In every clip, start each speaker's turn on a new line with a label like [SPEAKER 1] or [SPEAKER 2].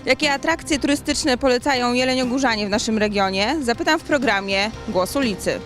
[SPEAKER 1] Jakie atrakcje turystyczne polecają jeleniogórzanie w naszym regionie? Zapytam w programie Głos Ulicy.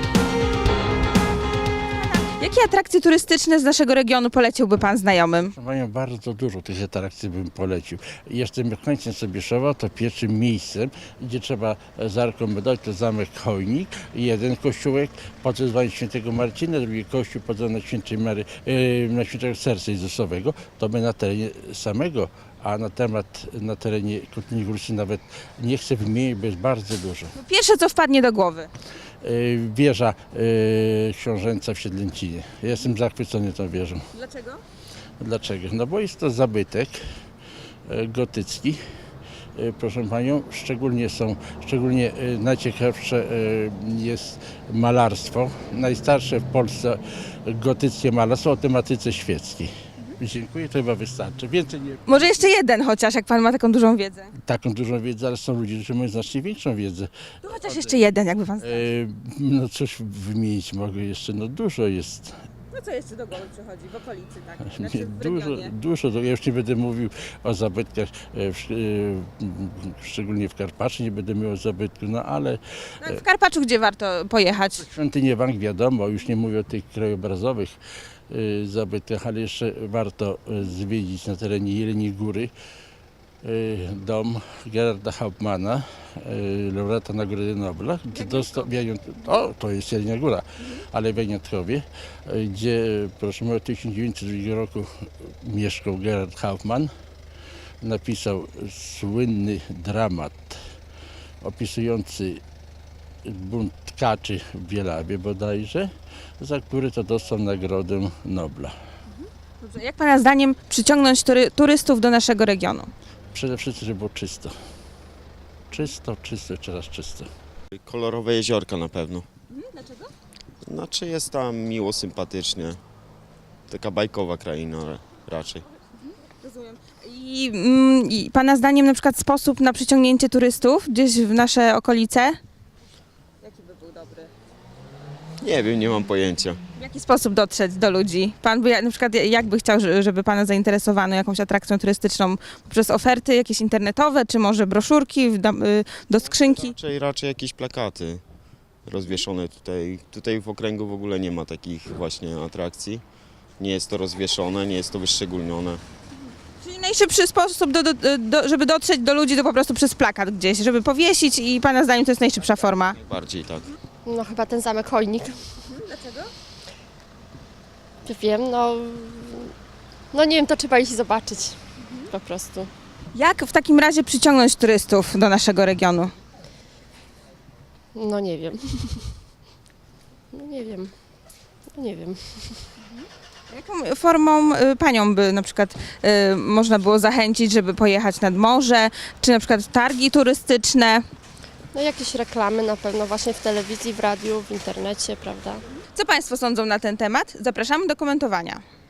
[SPEAKER 1] Jakie atrakcje turystyczne z naszego regionu poleciłby Pan znajomym?
[SPEAKER 2] Mają bardzo dużo tych atrakcji, bym polecił. Jestem mieszkańcem Sobieszowa, to pierwszym miejscem, gdzie trzeba zarekomendować, to zamek Chojnik, jeden kościółek pod wezwaniem świętego Marcina, drugi kościół pod wezwaniem świętej na świętego Serca Jezusowego, to my na terenie samego, a na terenie Kotlinie Górskiej nawet nie chcę wymienić, bo jest bardzo dużo.
[SPEAKER 1] Pierwsze, co wpadnie do głowy.
[SPEAKER 2] Wieża książęca w Siedlęcinie. Jestem zachwycony tą wieżą.
[SPEAKER 1] Dlaczego?
[SPEAKER 2] Dlaczego? No bo jest to zabytek gotycki, proszę Panią, szczególnie najciekawsze jest malarstwo, najstarsze w Polsce gotyckie malarstwo o tematyce świeckiej. Dziękuję, to chyba wystarczy. Więcej nie.
[SPEAKER 1] Może jeszcze jeden chociaż, jak Pan ma taką dużą wiedzę.
[SPEAKER 2] Taką dużą wiedzę, ale są ludzie, którzy mają znacznie większą wiedzę.
[SPEAKER 1] No chociaż jeszcze jeden, jakby Pan znał.
[SPEAKER 2] No coś wymienić mogę jeszcze, no dużo jest.
[SPEAKER 1] No co jeszcze do głowy przychodzi w okolicy, tak?
[SPEAKER 2] Nie, dużo. Ja już nie będę mówił o zabytkach, szczególnie w Karpaczu, nie będę mówił o zabytku, no ale
[SPEAKER 1] No, w Karpaczu gdzie warto pojechać?
[SPEAKER 2] świątynię Wang wiadomo, już nie mówię o tych krajobrazowych zabytkach, ale jeszcze warto zwiedzić na terenie Jeleniej Góry dom Gerarda Hauptmana, laureata Nagrody Nobla, gdzie dostał, to jest Jelenia Góra, ale w Janiatkowie, gdzie proszę mówić, w 1902 roku mieszkał Gerard Hauptmann, napisał słynny dramat opisujący bunt tkaczy w Bielawie bodajże, za który to dostał Nagrodę Nobla.
[SPEAKER 1] Dobrze, jak Pana zdaniem przyciągnąć turystów do naszego regionu?
[SPEAKER 2] Przede wszystkim, żeby było czysto. Czysto, jeszcze raz czysto.
[SPEAKER 3] Kolorowe jeziorka na pewno.
[SPEAKER 1] Dlaczego?
[SPEAKER 3] Znaczy jest tam miło, sympatycznie. Taka bajkowa kraina raczej.
[SPEAKER 1] Rozumiem. I Pana zdaniem na przykład sposób na przyciągnięcie turystów gdzieś w nasze okolice? Jaki by był dobry?
[SPEAKER 3] Nie wiem, nie mam pojęcia.
[SPEAKER 1] W jaki sposób dotrzeć do ludzi? Pan by na przykład jakby chciał, żeby Pana zainteresowano jakąś atrakcją turystyczną poprzez oferty jakieś internetowe, czy może broszurki do skrzynki?
[SPEAKER 3] Raczej jakieś plakaty rozwieszone tutaj. Tutaj w okręgu w ogóle nie ma takich właśnie atrakcji. Nie jest to rozwieszone, nie jest to wyszczególnione.
[SPEAKER 1] Czyli najszybszy sposób, żeby dotrzeć do ludzi, to po prostu przez plakat gdzieś, żeby powiesić i Pana zdaniem to jest najszybsza forma?
[SPEAKER 3] Bardziej tak.
[SPEAKER 4] No chyba ten zamek Chojnik.
[SPEAKER 1] Dlaczego?
[SPEAKER 4] Nie wiem, no nie wiem, to trzeba iść zobaczyć po prostu.
[SPEAKER 1] Jak w takim razie przyciągnąć turystów do naszego regionu?
[SPEAKER 4] No nie wiem. No nie wiem.
[SPEAKER 1] Jaką formą Panią by na przykład można było zachęcić, żeby pojechać nad morze, czy na przykład targi turystyczne?
[SPEAKER 4] No jakieś reklamy na pewno właśnie w telewizji, w radiu, w internecie, prawda?
[SPEAKER 1] Co Państwo sądzą na ten temat? Zapraszamy do komentowania.